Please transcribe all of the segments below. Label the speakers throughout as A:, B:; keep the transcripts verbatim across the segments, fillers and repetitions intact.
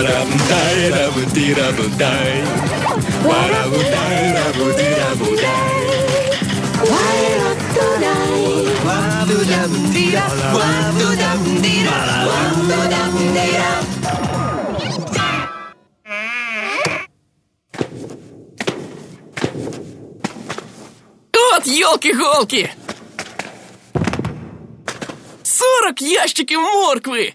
A: Варабутай-рабути-рабутай. Варабутай-рабути-рабутай.
B: От ёлки-голки! Сорок ящиків моркви!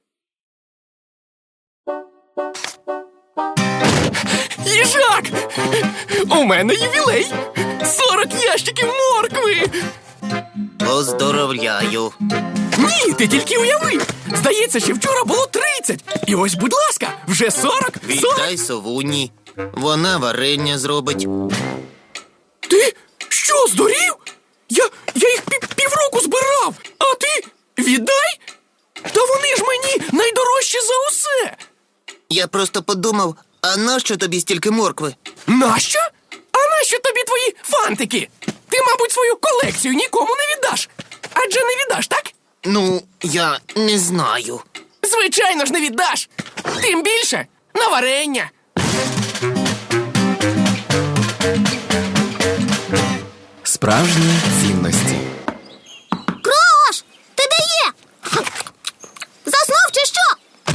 B: Їжак! У мене ювілей! Сорок ящиків моркви!
C: Поздоровляю.
B: Ні, ти тільки уяви! Здається, що вчора було тридцять. І ось, будь ласка, вже сорок!
C: Вітай совуні. Вона варення зробить.
B: Ти що, здурів? Я, я їх пів, півроку збирав, а ти віддай? Та вони ж мені найдорожчі за усе!
C: Я просто подумав, а нащо тобі стільки моркви?
B: Нащо? А нащо тобі твої фантики? Ти, мабуть, свою колекцію нікому не віддаш. Адже не віддаш, так?
C: Ну, я не знаю.
B: Звичайно ж не віддаш. Тим більше на варення.
D: Справжні цінності.
E: Крош! Ти де є? Заснув чи що?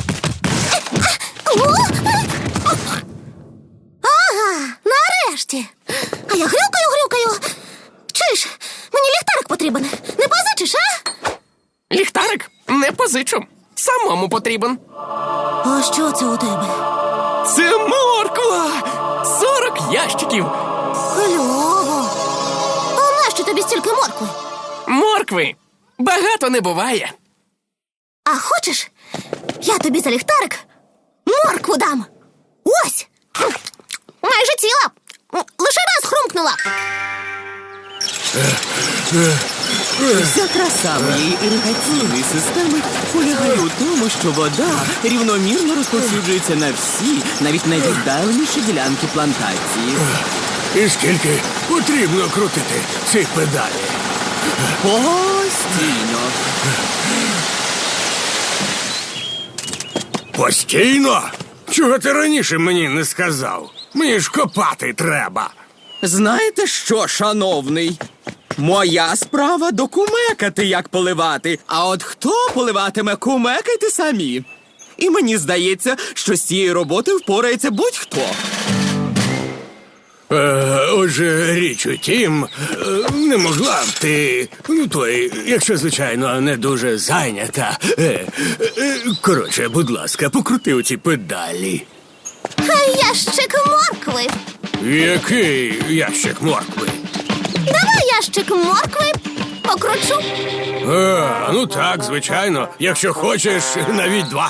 E: Ага, нарешті. А я грюкаю, грюкаю. Чуєш, мені ліхтарик потрібен. Не позичиш, а?
B: Ліхтарик не позичу. Самому потрібен.
E: А що це у тебе?
B: Це морква! Сорок ящиків.
E: Кльово. А нащо тобі стільки моркви?
B: Моркви багато не буває.
E: А хочеш, я тобі за ліхтарик моркву дам. Ось. Майже ціла. Лише раз хрумкнула.
F: Вся краса моєї іригаційної системи полягає у тому, що вода рівномірно розповсюджується на всі, навіть найвіддаленіші ділянки плантації.
A: І скільки потрібно крутити ці педалі?
F: Постійно.
A: Постійно? Чого ти раніше мені не сказав? Мені ж копати треба.
F: Знаєте що, шановний? Моя справа докумекати, як поливати. А от хто поливатиме, кумекайте самі. І мені здається, що з цієї роботи впорається будь-хто.
A: Е, отже, річ у тім, е, не могла б ти, ну той, якщо, звичайно, не дуже зайнята. Е, е, коротше, будь ласка, покрути оці педалі.
E: Ящик моркви.
A: Який ящик моркви?
E: Давай ящик моркви покручу.
A: А, ну так, звичайно. Якщо хочеш, навіть два.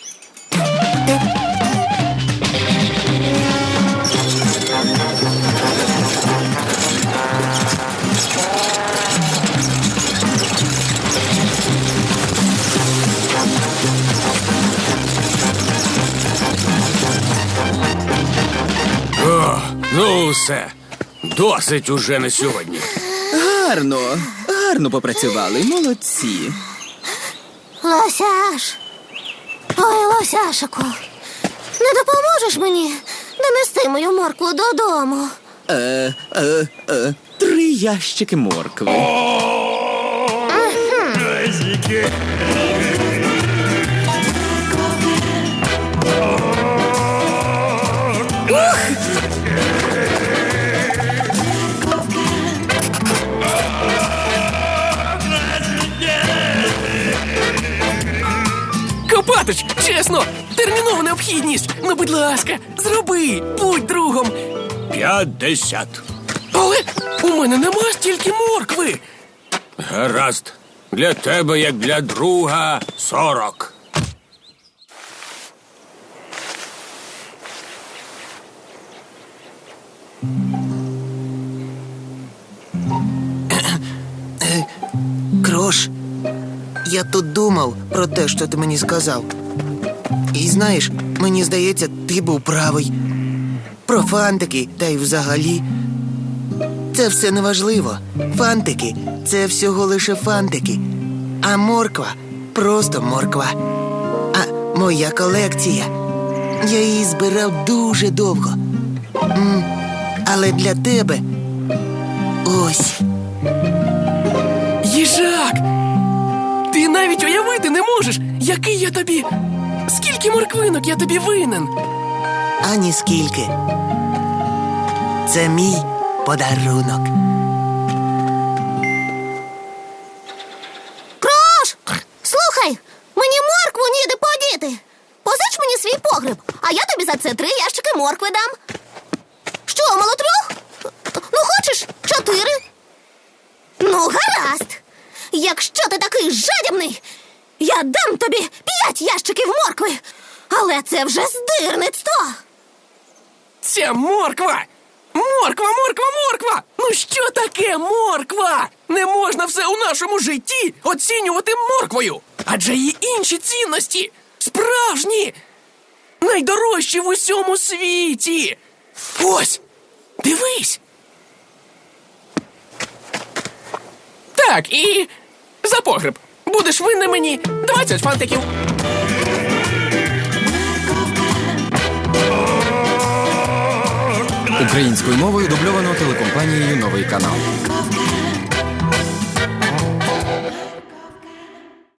A: О, ну все. Досить уже на сьогодні.
F: Гарно, гарно попрацювали, молодці.
E: Лосяш. Ой, Лосяшику. Не допоможеш мені донести мою моркву додому?
F: Е, е, е, три ящики моркви.
B: Копатич, чесно, термінова необхідність. Ну, будь ласка, зроби, будь другом.
A: П'ятдесят.
B: Але у мене нема стільки моркви.
A: Гаразд. Для тебе, як для друга, сорок.
C: Крош, я тут думав про те, що ти мені сказав. І знаєш, мені здається, ти був правий. Про фантики, та й взагалі. Це все неважливо. Фантики – це всього лише фантики. А морква – просто морква. А моя колекція Я її збирав дуже довго. М, Але для тебе ось.
B: Їжак! Ти навіть уявити не можеш, який я тобі. Скільки морквинок я тобі винен.
C: Ані скільки. Це мій подарунок.
E: Крош! Слухай, мені моркву ніде подіти. Позич мені свій погреб, а я тобі за це три ящики моркви дам. Що, мало трьох? Ну, хочеш, чотири? Ну, гаразд. Якщо ти такий жадібний, я дам тобі п'ять ящиків моркви. Але це вже здирництво.
B: Ця морква! Морква, морква, морква! Ну що таке морква? Не можна все у нашому житті оцінювати морквою. Адже є інші цінності. Справжні! Найдорожчі в усьому світі. Ось! Дивись! Так, і за погреб. Будеш винен мені двадцять фантиків.
D: Українською мовою дубльовано телекомпанією «Новий канал».